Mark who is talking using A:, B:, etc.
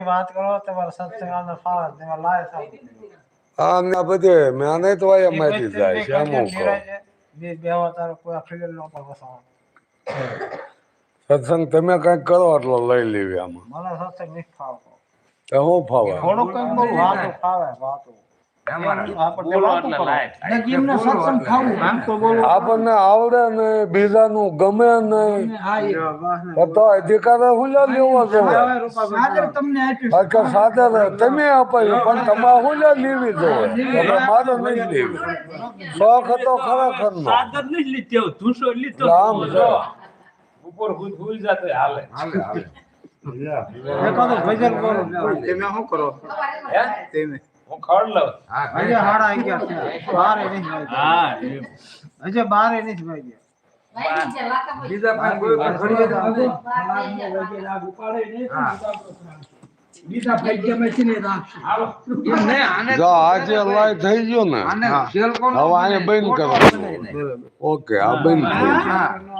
A: વાત કરો તમારા સત્સંગના ફાળા તમે લાય થાવ
B: હા ને બધે મેં તો અહીંયા મારી જાય છે અમુક
A: બે બેવા તારો કોઈ અફીલ નો પાછો
B: સત્સંગ તમે કઈક કરો એટલો લઈ લેવી આમાં
A: મને સત્સંગ નહીં ફાવતો
B: તો હું ફાવે
A: થોડું કઈ બહુ વાતો ફાવે વાતો
B: આપણને આવડે ને બીજાનું ગમે નહીં તો અધિકાર હું લેવો જોઈએ સાદર તમે અપાયું પણ તમારે હું લેવી જોઈએ મારે નહીં લેવી શોખ હતો ખરેખર નો આમ છે
C: ઉપર ભૂલ જતો હાલે
A: એકાદો ભજન કરો તમે શું કરો
C: હે
A: તમે
C: હું ખડ લઉં
A: હજે હાડા 11 છે બારે નહીં
C: હા
A: હજે બારે નહીં ભાઈ
C: બીજા પાસે કોઈ ઘડી
A: લાગ ઉપાડે નહીં બીજા ભાગ્યમાં છે ને રાખશે
B: જો આજે લાઈ થઈ ગયો ને હવે આને બંધ કરો ઓકે આ બંધ થઈ ગયું